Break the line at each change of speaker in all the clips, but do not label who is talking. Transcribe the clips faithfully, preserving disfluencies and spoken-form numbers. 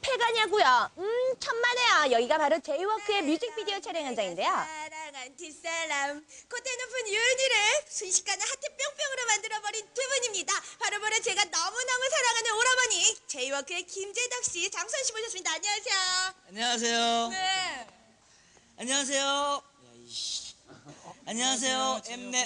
폐가냐고요? 음, 천만에요. 여기가 바로 제이워크의 뮤직비디오 촬영 현장인데요.
사랑한 뒷사람, 콧대 높은 유은이를 순식간에 하트 뿅뿅으로 만들어버린 두 분입니다. 바로 바로 제가 너무너무 사랑하는 오라버니 제이워크의 김재덕 씨, 장수원 씨 모셨습니다. 안녕하세요.
안녕하세요.
네.
안녕하세요. 안녕하세요. 엠넷.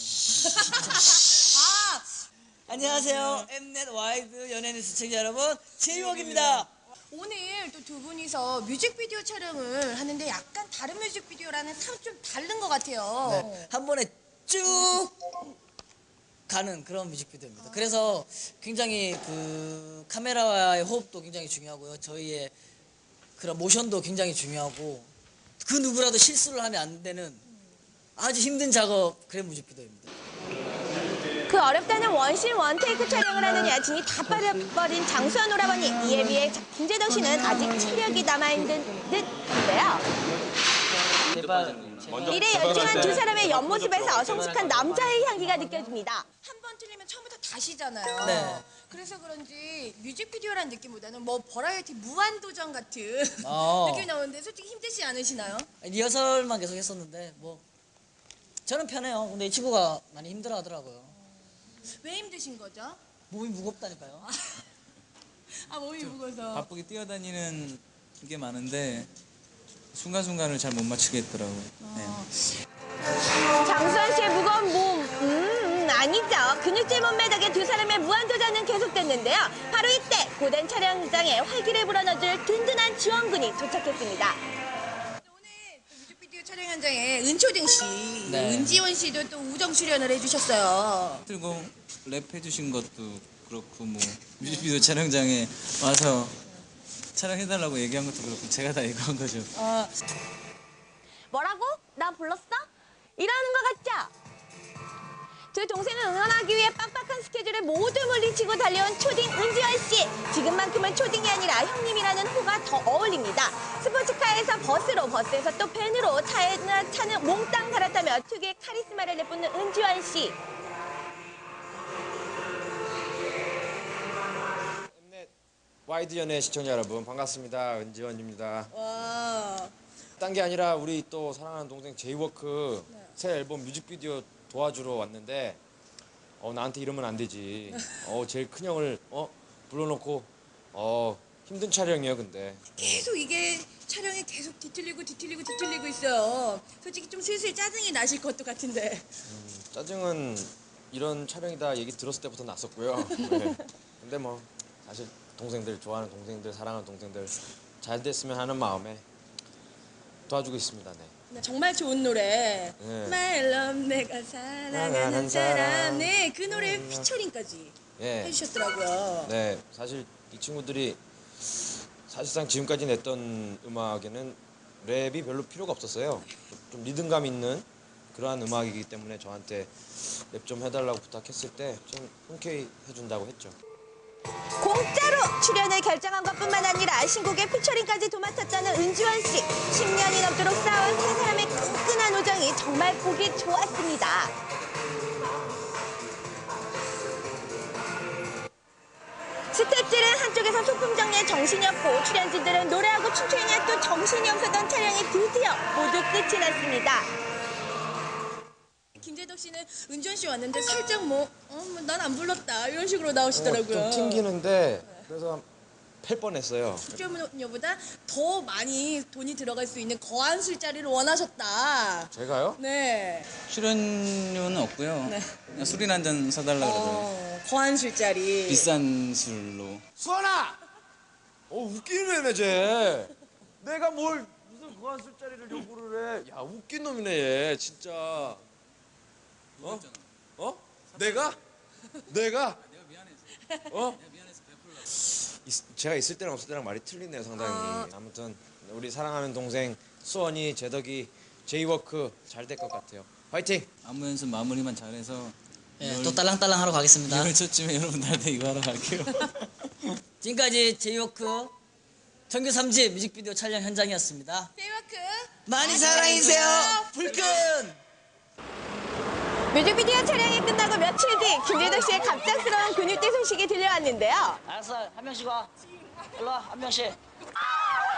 아,
안녕하세요. 엠넷 와이드 연예인 시청자 여러분, 제이웍입니다.
오늘 또 두 분이서 뮤직비디오 촬영을 하는데 약간 다른 뮤직비디오라는 참 좀 다른 것 같아요.
네, 한 번에 쭉 가는 그런 뮤직비디오입니다. 그래서 굉장히 그 카메라와의 호흡도 굉장히 중요하고요. 저희의 그런 모션도 굉장히 중요하고 그 누구라도 실수를 하면 안 되는 아주 힘든 작업 그런 뮤직비디오입니다.
그 어렵다는 원신 원테이크 촬영을 하는 여진이 다 빠져버린 장수원 오라버니. 이에 비해 김재덕 씨는 아직 체력이 남아있는 듯한데요. 이래 열중한 두 사람의 옆모습에서 성숙한 남자의 향기가 느껴집니다.
한 번 틀리면 처음부터 다시잖아요.
네.
그래서 그런지 뮤직비디오라는 느낌보다는 뭐 버라이어티 무한도전 같은
어.
느낌이 나오는데 솔직히 힘들지 않으시나요?
리허설만 계속 했었는데 뭐 저는 편해요. 근데 이 친구가 많이 힘들어 하더라고요.
왜 힘드신 거죠?
몸이 무겁다니까요.
아, 몸이 무거워서.
바쁘게 뛰어다니는 게 많은데 순간순간을 잘 못 맞추겠더라고요. 네.
장수원 씨의 무거운 몸, 음, 아니죠. 근육질 몸매 덕에 두 사람의 무한도전은 계속됐는데요. 바로 이때 고된 촬영장에 활기를 불어넣어줄 든든한 지원군이 도착했습니다.
오늘 또 뮤직비디오 촬영 현장에 은초딩 씨,
네.
은지원 씨도 또 우정 출연을 해주셨어요.
그리고 랩 해주신 것도 그렇고 뭐 뮤직비디오 촬영장에 와서 촬영해달라고 얘기한 것도 그렇고 제가 다 이거 한 거죠.
어,
뭐라고? 나 불렀어? 이러는 것 같죠? 두 동생을 응원하기 위해 빡빡한 스케줄을 모두 물리치고 달려온 초딩 은지원 씨. 지금만큼은 초딩이 아니라 형님이라는 호가 더 어울립니다. 스포츠카에서 버스로, 버스에서 또 밴으로 차에나 차는 몽땅 갈아타며 특유의 카리스마를 내뿜는 은지원 씨.
엠넷 와이드 연예 시청자 여러분 반갑습니다. 은지원입니다.
와.
딴 게 아니라 우리 또 사랑하는 동생 제이워크 네. 새 앨범 뮤직비디오 도와주러 왔는데 어 나한테 이러면 안 되지. 어 제일 큰 형을 어 불러놓고 어 힘든 촬영이에요. 근데
계속 이게 촬영이 계속 뒤틀리고 뒤틀리고 뒤틀리고 있어요. 솔직히 좀 슬슬 짜증이 나실 것도 같은데.
음, 짜증은 이런 촬영이다 얘기 들었을 때부터 났었고요. 네. 근데 뭐 사실 동생들 좋아하는 동생들 사랑하는 동생들 잘 됐으면 하는 마음에 도와주고 있습니다. 네.
네, 정말 좋은 노래.
네.
My love 내가 사랑하는 사람. 네, 그 노래 피처링까지
예.
해주셨더라고요.
네, 사실 이 친구들이 사실상 지금까지 냈던 음악에는 랩이 별로 필요가 없었어요. 좀 리듬감 있는 그러한 음악이기 때문에 저한테 랩 좀 해달라고 부탁했을 때 좀 흔쾌히 해준다고 했죠.
공짜로 출연을 결정한 것뿐만 아니라 신곡의 피처링까지 도맡았다는 은지원 씨. 십 년이 넘도록 쌓아온 세 사람의 끈끈한 우정이 정말 보기 좋았습니다. 스태프들은 한쪽에서 소품 정리에 정신이 없고 출연진들은 노래하고 춤추느냐 또 정신이 없었던 촬영이 드디어 모두 끝이 났습니다.
김재덕 씨는 은지원 씨 왔는데 살짝 뭐, 어, 뭐 난 안 불렀다 이런 식으로 나오시더라고요.
어, 좀 튕기는데 그래서 팰 뻔했어요.
출연료보다 더 많이 돈이 들어갈 수 있는 거한 술자리를 원하셨다.
제가요?
네.
출연료는 없고요.
네.
그냥 술이나 한 잔 사달라 그러더라고요.
어, 거한 술자리.
비싼 술로.
수원아! 어 웃기는 애네 쟤. 내가 뭘 무슨 그한 술자리를 요구를 해. 야 웃긴 놈이네 얘 진짜. 어? 어? 내가? 내가?
내가 미안해서.
어?
내가 미안해서 베풀라.
있- 제가 있을 때랑 없을 때랑 말이 틀리네요 상당히.
아.
아무튼 우리 사랑하는 동생 수원이, 제덕이, 제이워크 잘 될 것 같아요. 화이팅!
안무 연습 마무리만 잘해서
예, 또 딸랑딸랑 하러 가겠습니다.
이월 초쯤에 여러분들한테 이거 하러 갈게요.
지금까지 제이워크 정규 삼 집 뮤직비디오 촬영 현장이었습니다.
제이워크.
많이 사랑해주세요. 불끈!
뮤직비디오 촬영이 끝나고 며칠 뒤 김재덕 씨의 갑작스러운 근육대 소식이 들려왔는데요.
알았어, 한 명씩 와. 일로 와, 한 명씩.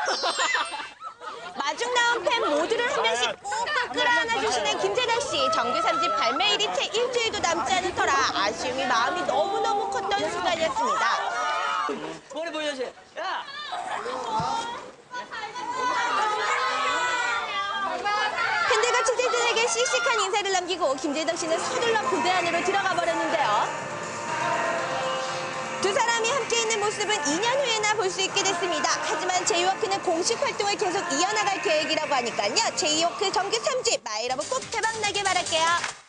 마중 나온 팬 모두를 한 명씩 꾹꾹 끌어안아 주시는 김재덕 씨. 정규 삼 집 발매일이 채 일주일도 남지 않은 터라 아쉬움이 마음이 너무너무 컸던 순간이었습니다.
머리 보여줘. 야.
팬들과 취재진에게 씩씩한 인사를 남기고 김재덕 씨는 서둘러 부대 안으로 들어가 버렸는데요. 두 사람이 함께 있는 모습은 이 년 후에나 볼 수 있게 됐습니다. 하지만 제이워크는 공식 활동을 계속 이어나갈 계획이라고 하니까요. 제이워크 정규 삼 집 마이러브 꼭 대박나게 바랄게요.